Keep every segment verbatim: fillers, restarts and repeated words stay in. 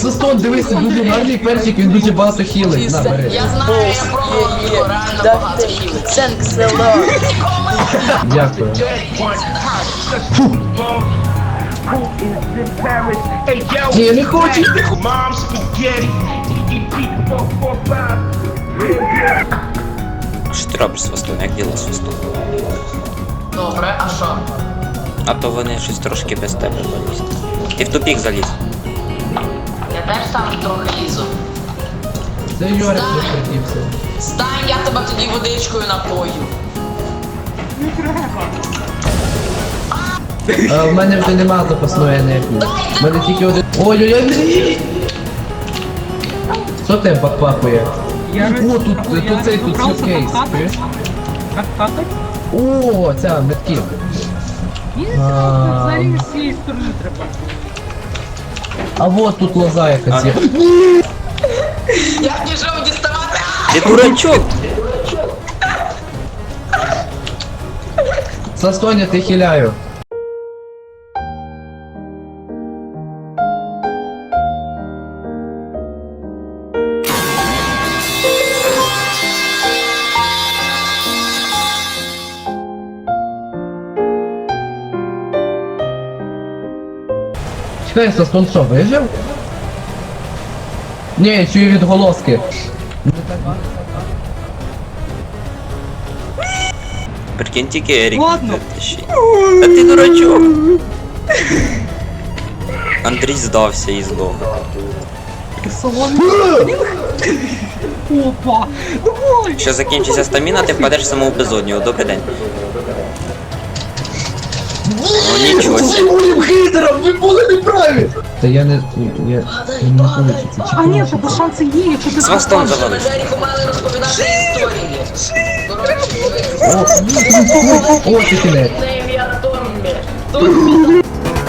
Свистон, дивись, дуже гарний перчик, він дуже багато хілить. На, бери. Я знаю, я пробував його, реально багато хілить. Thanks a lot. Дякую. Ні, я не хочу. Що ти робиш з свистом? Як діло з свистом? Добре, а що? А то вони щось трошки без тебе залізли. Ти в тупік заліз. Я теж там трохи лізу. Це Йорик захотівся. Стань, я тебе тоді водичкою напою. А, в мене вже нема запасної енергії. В мене тільки один... Ой-ой-ой! Що тебе папахує? Я О, тут, тут цей, тут сюркейс. Как хатать? О, ця, метків. Ні, А. взагалі не з цієї сторони треба. А вот тут лоза якась є. Я пішов діставати. Ти дурачок! Састоня, ти хиляю. Чекай, Састон що, вижив? Ні, я чую відголоски. Прикинь, тільки Ерік. Ладно. Та ще- Та ти дурачок! Андрій здався і здох. Салон. Опа! Давай! Якщо закінчиться стаміна, ти впадеш в саму безодню. Добрий день. О, нічого себе. Моїм хейтерам, ви були неправі! Та я не... я... я не хочу це А ні, тебе шанси є, якщо ти З хвостом попадеш. завалиш. Джеріку мали розповідати історії. Коротше, О, о, ти кінець. це ім'я Томмі. Томмі.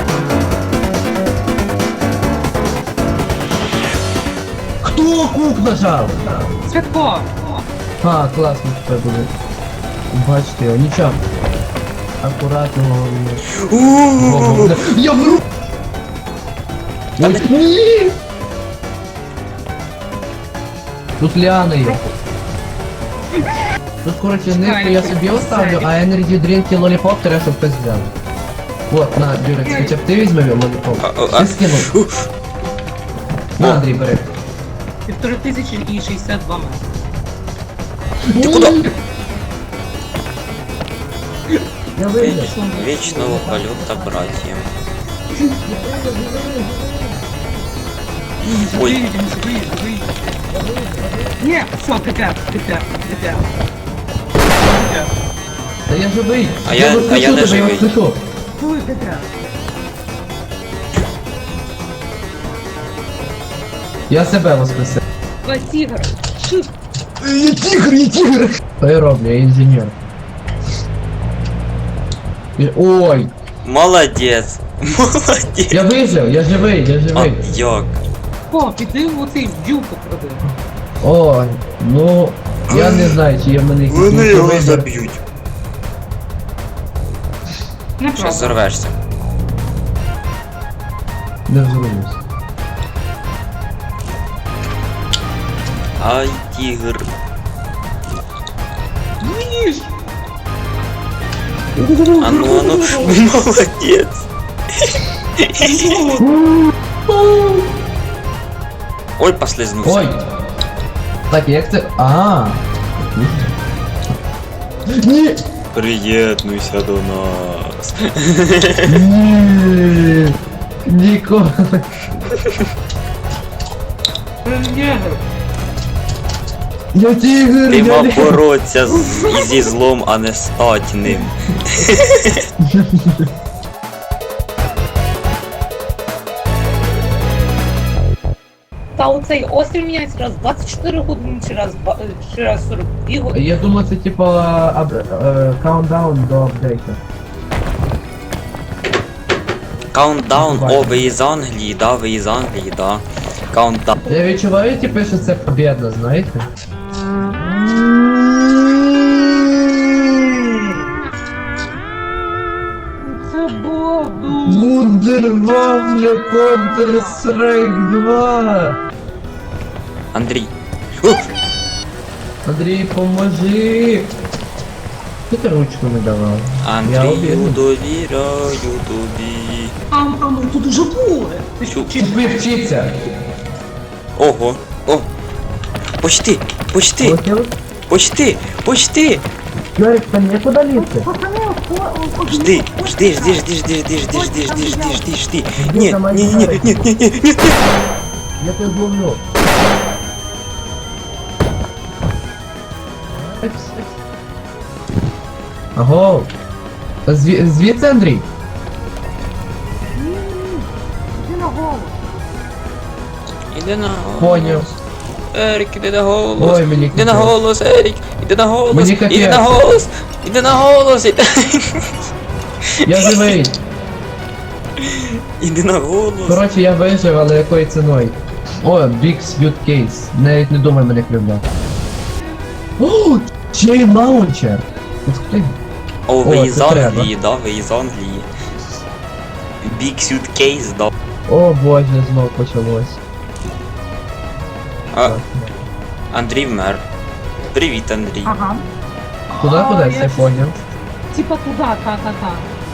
Хто кук нажав? Святко! А, класно тепер буде. Бачите його, нічого. Акуратно головне. Я вру! Ой, ні! Тут ліани є. Тут, коротше, нитку я собі оставлю, а енерджі дрінк і лоліпоп треба, щоб хтось взяв. Вот, на, Дюрекс, хоча б ти візьми лоліпоп. А, а, а. Ти скинув. На, Андрій, бери. Півтори тисячі і шістдесят два метри. Ти куди? Я вийду. Вічного польота, братія. Ой. Виїдемо, виїдемо, виїдемо. Ні, все, тепер, тепер, тепер. Та я живий. А я- воскрешу а я не тебе, живий. воскрешу. Коли тепер? Я себе воскресив. Два тігр. Шип. Я тигр, я тигр! Що я роблю, я інженер. І- Ой, Молодець. Молодець. я вижив, я живий, я А живий. як? О, піди в оцей бджілку проди. Ой, ну, я не знаю, чи є в мене якісь Вони його вибір. заб'ють. Щас Неправда. зорвешся. Не взорвусь. Ай, тігр. Ніж! А ну, а ну, молодець. Ой, послизнувся. Ой! Так, як це... А. Ні! Приєднуйся до нас. Ні! Ніколи. Негр! Я тигр! Ти я мав не- боротися з, і зі злом, а не стать ним. Та оцей острів міняється раз двадцять чотири години, чи раз, два- е, чи раз сорок дві години. Я думаю, це типа ап- е, каунтдаун до апдейта. Каунтдаун, о, ви із Англії, да, ви із Англії, да. Каунтдаун. Я відчуваю, типу, що це побєдно, знаєте? Це було воду. Вундервафля Counter-Strike два! Андрій. О! Андрій, поможи! Ти ти ручку не давав? Я Андрію, обідну. довіряю тобі. А, а ну тут уже були. Ти що, чи Ви вчіться! Ого. О. Почти, почти, Полетіли? почти, почти. Ярик, там некуда лізти? Жди, жди, жди, жди, жди, жди, жди, жди, жди, жди, жди, жди. Ні, там ні, ні, ні, Ярик? ні, ні, ні, ні. Я тебе зловлю. Аго! Зві... Звідси, Андрій? Іди на голос. Поняв. Ерік, іди на голос. Ой, мені Іди на капець. голос, Ерік. Іди на голос. Мені Іди капець. на голос. Іди на голос. Іди, Я живий. іди на голос. Коротше, я вижив, але якою ціною? О, Big Sweet Case. Навіть не думай мене кривляти. О, Chain Launcher. Ух ти. О, О, ви із це треба. Англії, да, ви із Англії. Big suitcase, да. О боже, знов почалось. А, Андрій вмер. Привіт, Андрій. Ага. Куди А, кудись, я я поняв. Типа туда, та-та-та.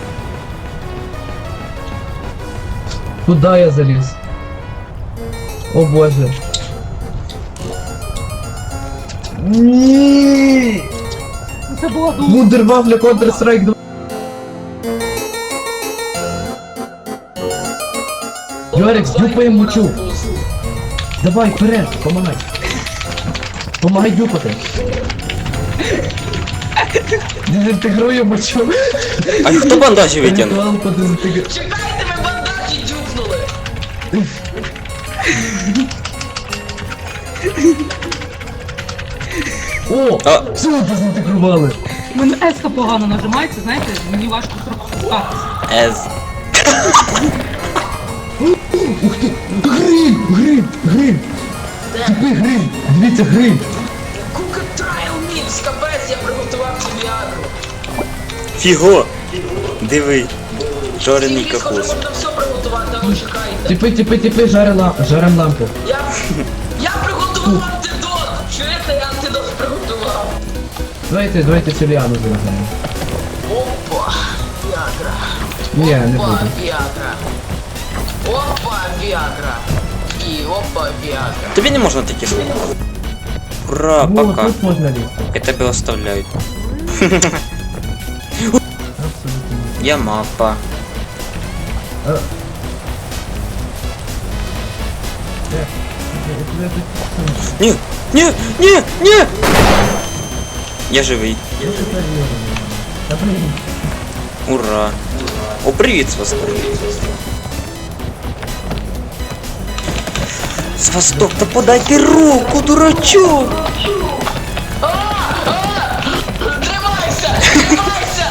Куди я заліз? О боже. Ні! Ну, це було дуже. Вундервафля Counter-Strike два. Йорик, дюпай мучу. Давай, вперед, помагай. Помагай дюпати. Дезінтегрую мочу. А хто бандажі витягнув? Ритуал по дезінтеграції. Чекайте, ми бандажі дюпнули. О! А. Все, дезінтегрували. У мене еска погано нажимається, знаєте, мені важко трохи спускатися. Ез. Ух ти! Грим! Грим! Грим! Типи грим! Дивіться, грим! Кука Трайл Мікс, капець, я приготував собі агро. Фіго! Диви. Жорений Сьогодні капуст. можна все приготувати, а ви чекаєте. Типи, типи, типи, жарим, ла... жарим лампу. Я, я приготував антидот. Чуєте, я антидот приготував. Давайте, давайте Селіану зробимо. Опа, Віагра. Ні, не Опа, буду. Віагра. Опа, Віагра. І опа, Віагра. Тобі не можна такі слова. Ура, О, пока. тут можна лізти. Я тебе оставляю. Абсолютно. Я мапа. А. Де? Я тебе тут- Ні, ні, ні, ні! Я живий. Я тебе вірю. Та блін. Ура. О, привіт, Свасток. Свасток, та подайте руку, дурачок! Тримайся, тримайся!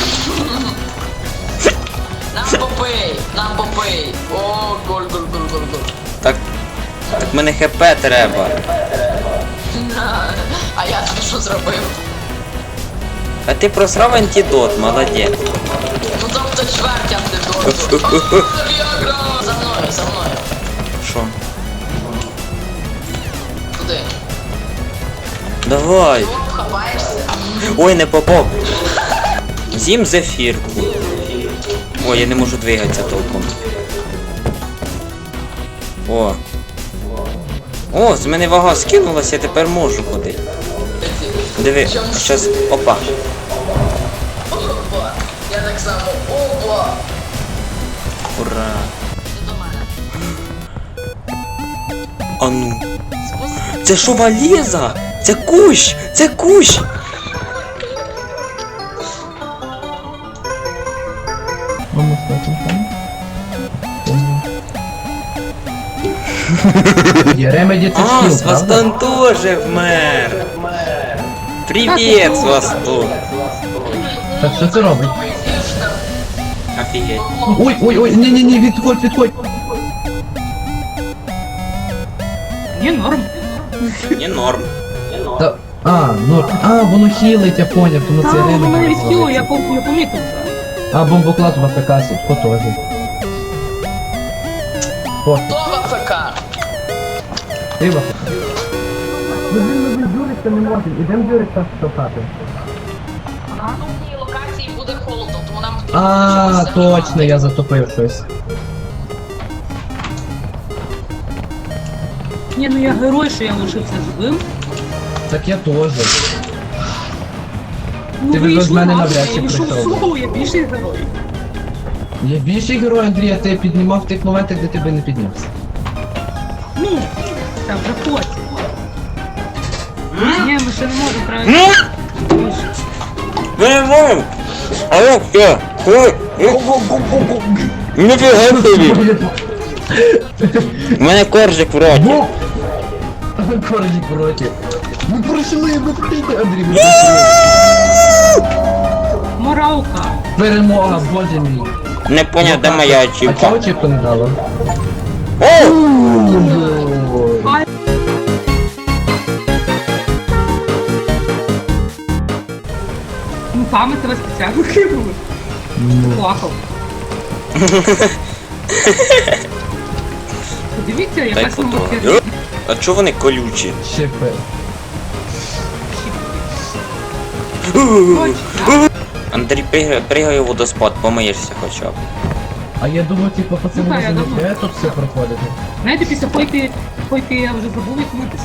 Нам попий, нам попий. О, голь, голь, голь, голь, голь. Так, так мене хп треба. На, а я тобі що зробив? А ти просрав антидот, молодець. Ну тобто чверть антидоту. О, Віагра! За мною, за мною. Що? Куди? Давай. О, хапаєшся? Ой, не попав. З'їм зефірку. Ой, я не можу двигатися толком. О. О, з мене вага скинулася, я тепер можу ходити. Диви, щас. Опа. Опа! Я так само. Опа! Ура. Ти до мене. А ну. Це що, валіза? Це кущ! Це кущ! Мамо, стати там. Є ремеді це А, скіл, правда? Свастон тоже вмер! Привіт, Свастон! Так що це робить? Офігеть. Ой, ой, ой, ні-ні-ні, відходь, відходь. Ні, норм. Не норм. Та, а, ну, а, воно хілить, я поняв, воно це Та, воно ринок. мене відхило, я пом- я помітив вже. А, бомбоклад в АФК, Сітко теж. Пофіг. Хто в АФК? Ти в АФК. Ну він, ну він дюриться не може. Ідем дюриться штовхати. На наступній локації буде холодно, тому нам потрібно А, чогось точно, займати. я затопив щось. Ні, ну я герой, що я лишився живим. Так я теж. Ну, Ти би вийшло без мене гарно, навряд чи я вийшов прийшов. соло, я більший герой. Я більший герой, Андрій, а ти піднімав в тих моментах, де ти би не піднявся. Ну, це вже потім. Ні, ми ще не можемо правильно. Ми не можемо! А як це? Ой, ніфіга собі! У мене коржик в роті. Бу! Коржик в роті. Ми пройшли, ми прийти, Андрій, ми пройшли. Моралка. Перемога, боже мій. Не поняв, де моя А чого очівка. очівку не дало? О! Ай. Ну там ми тебе спеціально кинули. Плакав. Подивіться, Дай якась фото. номер. А чого вони колючі? Щепи. Андрій, пригай, пригай у водоспад, помиєшся хоча б. А я думаю, типу, пацани, Ну, так, я може не думаю. треба тут все проходити. Знаєте, після пойки, пойки я вже забув, як митися.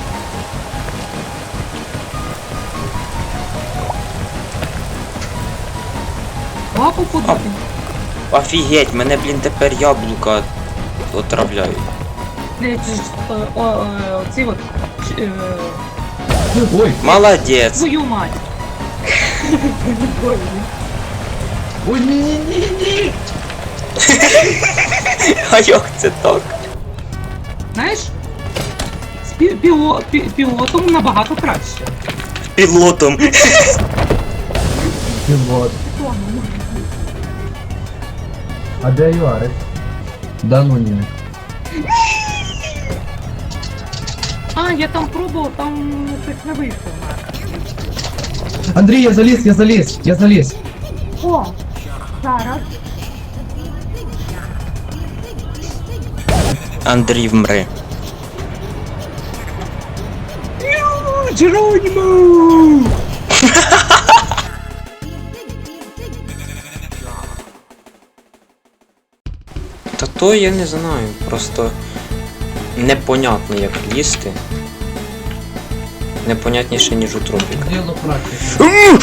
Лапу подати. Офігеть, мене, блін, тепер яблука отравляють. Це ж, е, о, е, оці от, е, Ой, Молодець. твою мать. ой, ні-ні-ні-ні. А як це так? Знаєш, з пі- піло- пі- пілотом набагато краще. Пілотом. Пілот. А де Юарик? Да ну ні. А, я там пробував, там щось не вийшло. Андрій, я заліз, я заліз, я заліз. О, зараз. Андрій вмри. Джеронімо! Та то я не знаю, просто непонятно як лізти. Непонятніше, ніж у тропіка. Діло практики.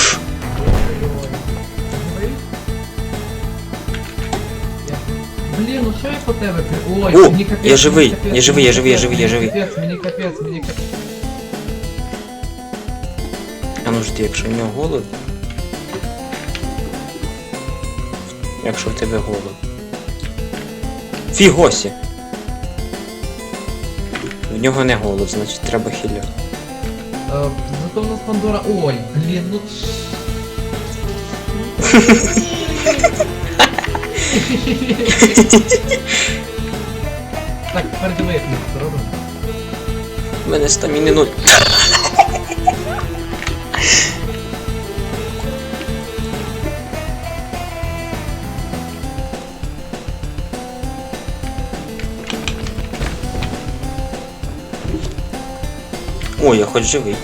Блін, ну що я по тебе? при- Ой, О, мені капець, я живий, мені капець, я живий, я мені живий, я капець, живий, я живий. Мені капець, мені капець, мені капець. А ну жди, якщо в нього голод. Якщо в тебе голод. Фігосі! В нього не голод, значить треба хіля. Е, Зато в нас Пандора. Ой, блін, ну. Так, тепер диви, як ми це робимо. У мене стаміни нуль. Ой, я хоч живий.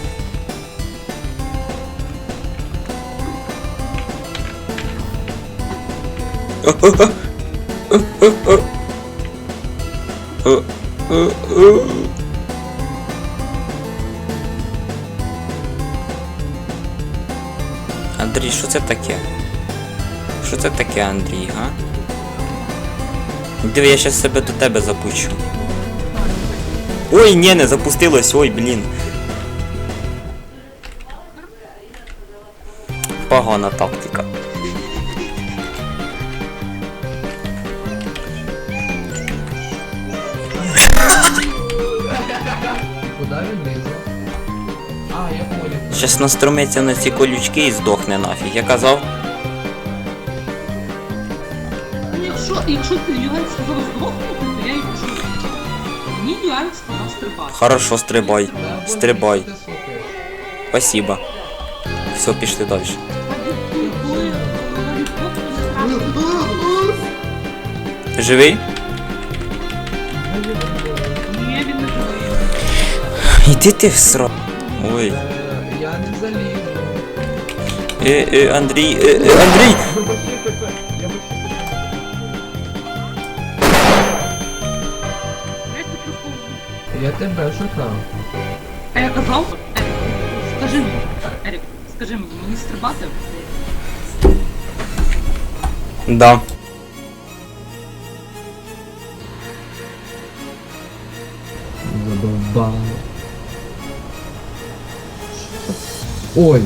Андрій, що це таке? Що це таке, Андрій, га? Диви, я щас себе до тебе запущу. Ой, ні, не запустилось, ой, блін. Погана тактика. Куди він лізе? А, я понял. Щас настромиться на ці колючки і здохне нафіг. Я казав, Ну, Якщо, якщо ти Ювен сказав здохнути, то я й пишу. Мені Ювен сказав стрибати. хорошо, стрибай. Да, боже, Стрибай. ти слухаєш. Спасибо. Все, пішли далі. Коли говорю, «Ох, Живий? Ні, він не живий. Іди ти в сра... Ой. Е, Я не залізу. Е, е, Андрій, е, е, Андрій! Ви почти ПП. Я почти Я ж таки вповзу. Я тебе шукав. А я казав? Ерік, скажи мені, Ерік, скажи мені, мені стрибати? Да. Задовбало. Ой.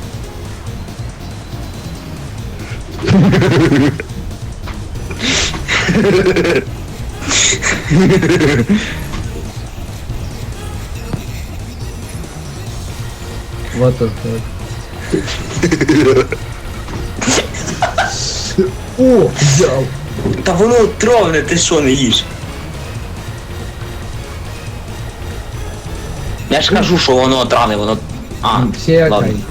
Вот the fuck. О, взял. Та воно отровне, ти що не їш? Я ж кажу, що воно отравне, воно... А, Все ладно. окей.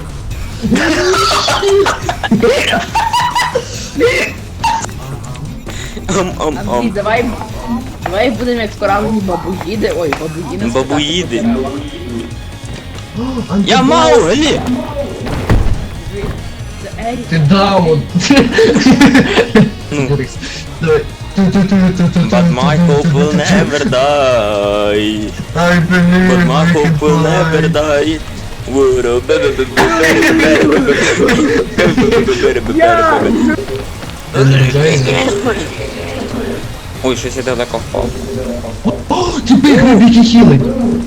Ам, ам, Андрій, ам. давай, давай будемо як справжні бабуїди. Ой, бабуїни. Бабуїди. Антидот. Я Мауглі! Це Ерік. Ты даун. Ну, Давай. but my hope will never die. I believe But my we hope can will never fly. die. Would Ти не рожаєш? Ой, щось я далеко впав. О, тебе грабіки хілить.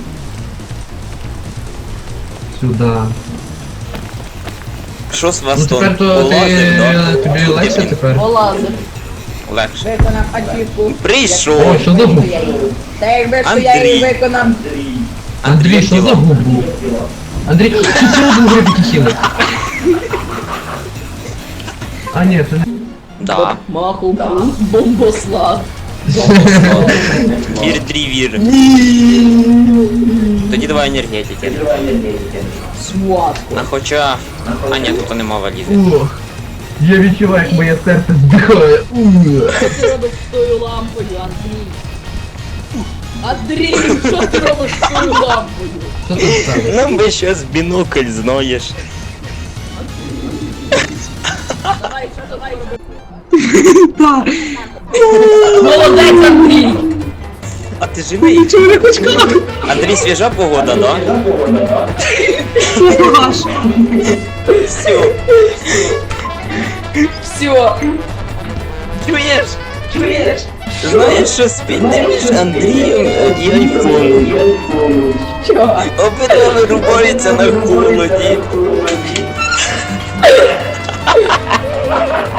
Сюда. Що з вас Ну там? тепер то Полазив, да? ти... тобі легше тепер? Олазер. Легше. Виконав ачівку. Прийшов! Ой, що за губ? Та якби що я Андрій. її виконав. Андрій, що за губ? Андрій, ти все одно грабіки хілить. А ні, це не... Да. Маху, бомбослав. Вір-дрі-вір. Тоді давай енергетики. Сватку. А хоча... А ні, тут нема валізи. Ох, я відчуваю, як моє серце здихає. Ух. Що ти робиш з тою лампою, Андрій? Андрій, що ти робиш з тою лампою? Що тут сталося? Нам би щось бінокль, знаєш. Давай, що давай роби? Молодець, Андрій! А ти живий? Андрій, свіжа погода, да? Все. Все. Чуєш? Чуєш? Знаєш, що спільне між Андрієм і айфоном? Чого? Обидва вирубаються на холоді.